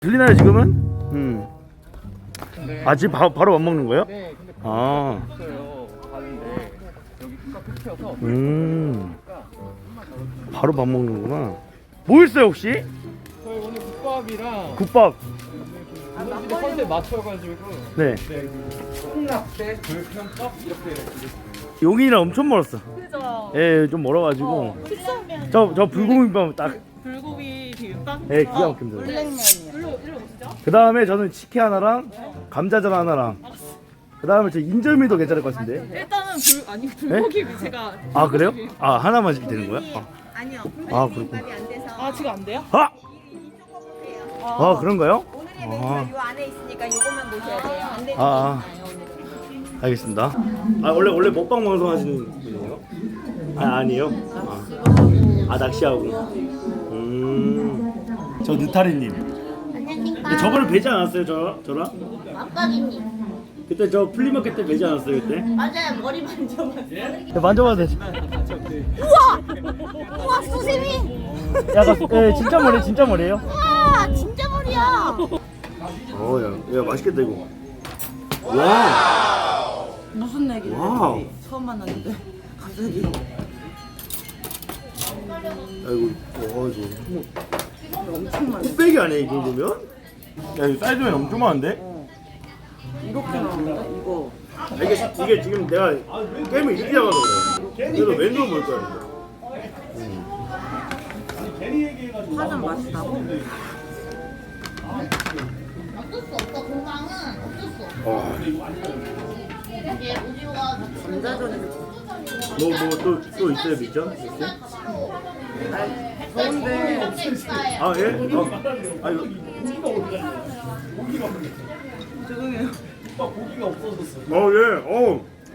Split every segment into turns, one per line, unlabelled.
들리나요 지금은?
네.
아 지금 바로 밥 먹는 거예요?
네, 근데
아.
없어요. 가는데 여기 국가 끝이어서
바로 밥 먹는구나. 뭐 있어요 혹시?
저희 오늘 국밥이랑
국밥.
오늘 컨셉 맞춰가지고
네.
콩라떼, 불편떡 이렇게
용인이랑 엄청 멀었어.
그죠?
예, 좀 멀어가지고.
fiction면
저 불고기밥 딱.
불고기 비빔밥?
예, 기가 막힙니다.
블랙면이요. 일로 오시죠.
그 다음에 저는 치킨 하나랑 감자전 하나랑. 그 다음에 저 인절미도 괜찮을 것 같은데.
일단은 불고기 제가
아 그래요? 아 하나만 되는 거야?
아니요.
아 그렇군.
안 돼서.
아 지금 안 돼요?
아,
이쪽 거 보세요.
아 그런가요?
오늘의 메뉴가 요 안에 있으니까 요것만 보셔야 돼요. 안 되는
아,
거
아.
있나요, 오늘은?
알겠습니다. 아 원래 먹방 방송 하시는 분이에요? 아 아니에요? 아 낚시하고. 저 느타리님.
안녕하십니까.
저번에 뵈지 않았어요 저랑?
깜빡이님.
그때 저 플리마켓 때 뵈지 않았어요 그때?
맞아요. 머리 만져봤어요.
네, 만져봐도 되지?
우와, 수세미.
약간 예 진짜 머리 진짜 머리예요?
우와, 진짜 머리야.
야 맛있겠다 이거. 와.
무슨 얘기를
와우.
해? 처음 만났는데 갑자기
아이고 이거
엄청 많아.
뚝배기 아니야 이 정도면? 야 이거 사이즈면 엄청 많은데?
이렇게 나오는데 이거
이게 지금 내가 게임을 이렇게 잡아서 그래. 그래서 왼손 볼 거야.
파전 맛있다고?
어쩔 수 없어. 건강은 어쩔 수 없어.
와.
이게 오디오가
감자전이
또 있어요 미션?
더운데
아 예? 아 이거
죄송해요.
예.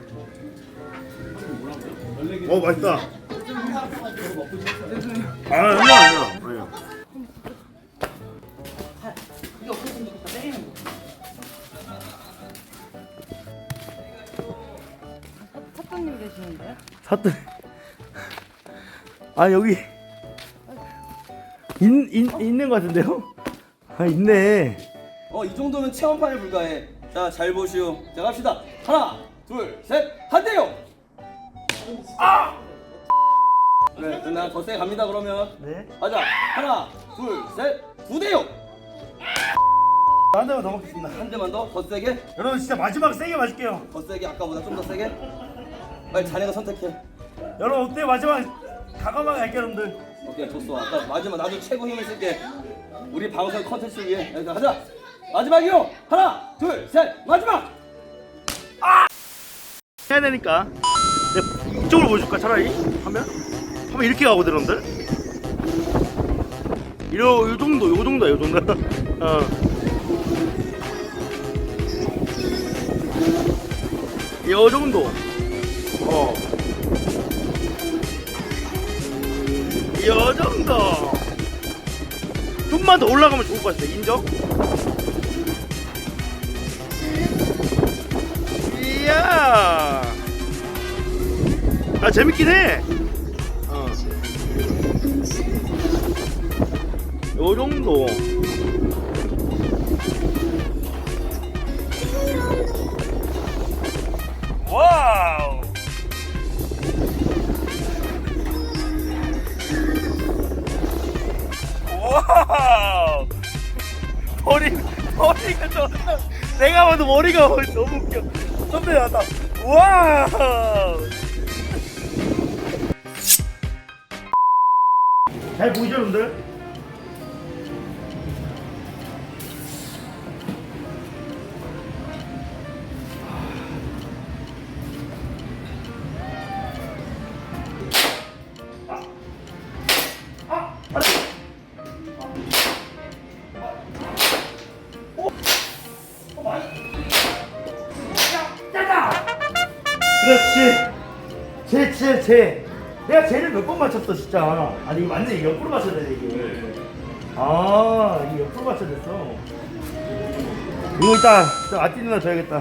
맛있다. 아니야.
이게 없어지면 좋겠다. 때리는 거. 사장님 계시는데요?
사또. 아 여기 있는 것 같은데요? 아 있네.
이 정도면 체험판에 불과해. 자, 잘 보시오. 자, 갑시다. 하나, 둘, 셋, 한 대요. 네, 누나 더 세게 갑니다. 그러면
네.
가자. 하나, 둘, 셋, 두 대요.
한 대만 더 먹겠습니다.
한 대만 더 세게,
여러분 진짜 마지막 세게 마실게요.
더 세게. 아까보다 좀 더 세게. 빨리 자네가 선택해.
여러분 어때 마지막 가감하게 할게요 여러분들.
오케이, 좋소. 아까 마지막 나도 최고 힘을 쓸게. 우리 방송 컨텐츠를 위해. 자, 가자. 마지막이요. 하나, 둘, 셋, 마지막.
해야 되니까. 내가 이쪽으로 보여줄까 차라리? 하면 이렇게 가거든 여러분들. 요 정도. 요 정도. 요 정도. 좀만 더 올라가면 좋을 것 같아. 인정? 이야. 아 재밌긴 해. 요 정도. 와우. 와우. 머리가 존나. 내가 봐도 머리가 너무 웃겨. 선배 나다. 와우. 잘 보이죠, 여러분들? 그렇지. 제. 내가 쟤를 몇 번 맞췄어 진짜. 아니 이거 맞네. 이거 옆으로 맞춰야 돼 이게. 아 이게 옆으로 맞춰야 됐어. 이거 이따 아띠 누나 줘야겠다.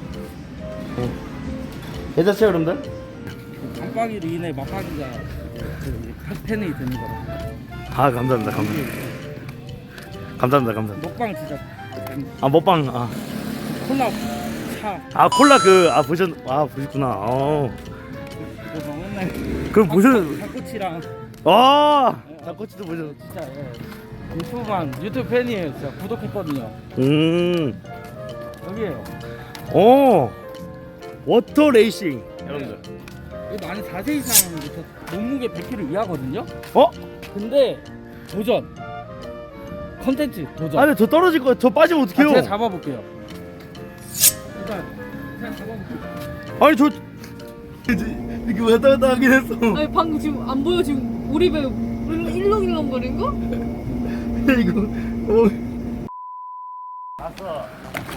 괜찮죠 여러분들?
깜빡이로 인해 맛박이가 팬이 되는 거라.
아 감사합니다. 감사합니다, 감사합니다.
먹방 진짜
아 먹방
콜라 차
콜라 보셨구나.
그거 맨날
그럼 보셨
닭꼬치랑
닭꼬치도 보셨.
진짜 유튜브 팬이에요. 진짜 구독했거든요. 여기에요.
워터 레이싱 여러분들.
이거 나는 4세 이상부터 몸무게 100kg 이하거든요.
어?
근데 도전 컨텐츠 도전.
아니 저 떨어질 거 저 빠지면 어떡해요?
제가 잡아볼게요. 일단 제가 잡아볼게요.
아니 저 이렇게 왔다 갔다 하긴 했어.
아니 방금 지금 안 보여 지금 우리 배 일렁일렁거린 거?
이거 다섯,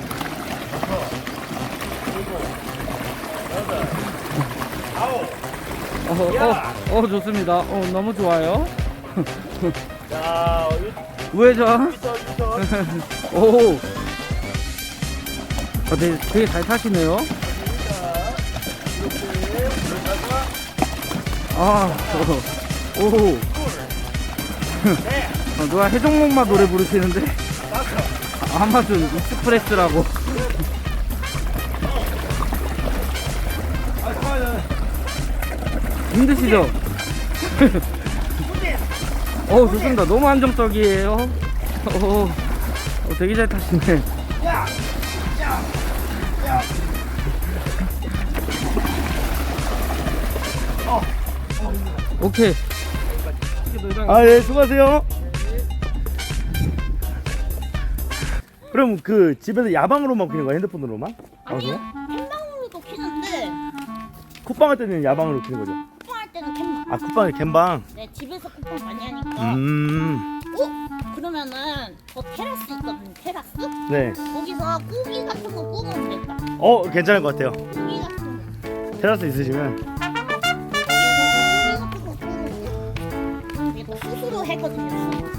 일곱, 여덟, 아홉.
좋습니다. 너무 좋아요.
자,
우회전.
유턴.
오. 되게 잘 타시네요. 오. 누가 해적목마 노래 부르시는데? 아마존 익스프레스라고. 힘드시죠? 좋습니다. 너무 안정적이에요. 되게 잘 타시네. 오케이.
예, 수고하세요. 그럼 그 집에서 야방으로만 키는 거야? 핸드폰으로만?
아니요. 캔방으로도 키는데
쿠팡 할 때는 야방으로 키는 거죠?
쿠팡 할 때는 캔방.
쿠팡이 캔방.
네, 집에서 쿠팡 많이 하니까. 그러면은 저 테라스 있거든요. 테라스?
네.
거기서 고기 같은 거 구우면 되겠다.
괜찮을 것 같아요.
고기 같은 거.
테라스 있으시면.
거기에서 고기 같은 거 구우면 이게 또 수수로 했거든요.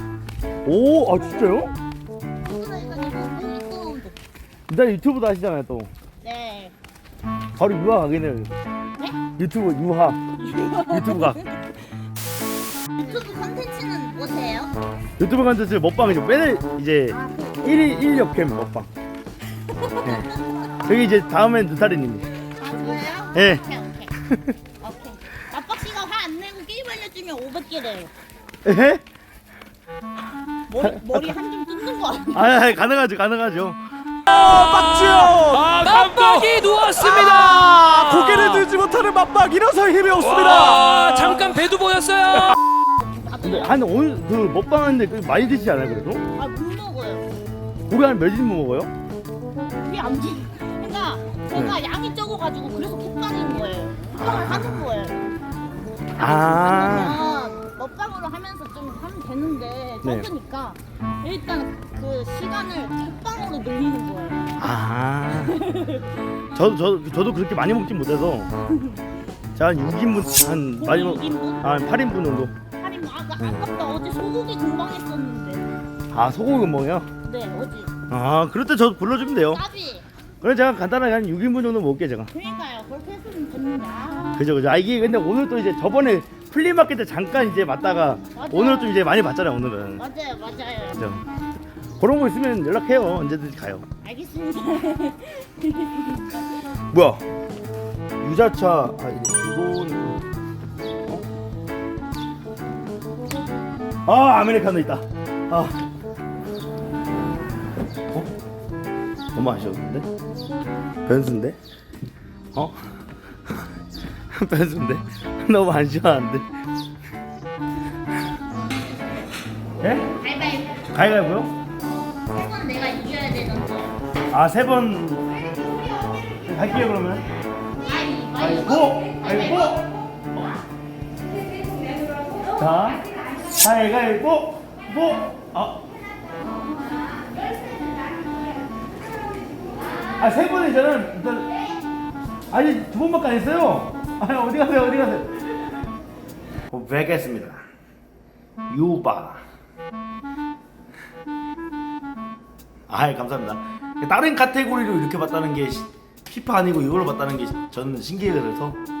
진짜요?
수수로 해가지고 고기 구우면 돼.
일단 유튜브도 하시잖아요, 또.
네.
바로 유학 가겠네요.
네?
유튜브 유학. 유튜브가.
유튜브 컨텐츠는 뭐세요?
유튜브 컨텐츠 먹방이죠. 매일 이제 1일 1역캠 먹방. 네. 저기 이제 다음엔 누타리님이.
저예요?
예.
오케이. 아빠씨가 화 안 내고 게임 알려주면 500개래요.
에?
머리 한 점 뜯는 거 아니야?
가능하죠.
맞박이 누웠습니다.
고개를 들지 못하는 맞박 일어서 힘이 없습니다.
잠깐 배도 보였어요.
근데 한 오늘 그 먹방 하는데 많이 드시지 않아요, 그래도?
아, 못 먹어요.
고기 한 몇 인분 먹어요?
그게 안 돼. 그러니까 제가 양이 적어가지고 그래서 콧방인 거예요. 콧방을 하는 거예요. 그러면 먹방으로 하면서 좀 하면 되는데
네.
적으니까 일단 그 시간을 콧방으로 늘리는 거예요.
저도 그렇게 많이 먹진 못해서 제가 한 6인분 한 많이 먹
6인분?
한 8인분 정도.
할인 아깝다. 어제 소고기 금방 했었는데.
소고기 금방이요?
네, 어제.
그럴 때 저 불러주면 돼요.
까비.
그래 제가 간단하게 한 6인분 정도 먹을게 제가.
그러니까요. 그렇게 했으면 됐는데.
그죠. 이게 근데 오늘 또 이제 저번에 플리마켓 때 잠깐 이제 봤다가
맞아.
오늘 좀 이제 많이 봤잖아요 오늘은.
맞아요.
그죠. 그런 거 있으면 연락해요. 언제든지 가요.
알겠습니다.
뭐야? 유자차 이거는 아메리카노 있다. 너무 아쉬웠는데? 변수인데? 변수인데? 너무 안 시원한데? 예? 가위바위보요?
이건 내가 이겨야 되는데.
3번 갈게요 그러면. 가위바위보! 자, 가위바위보! 세 번이잖아. 일단 아니 2번밖에 안 했어요. 어디 가세요? 고백했습니다. 유바. 감사합니다. 다른 카테고리로 이렇게 봤다는 게 피파 아니고 이걸로 봤다는 게 저는 신기해서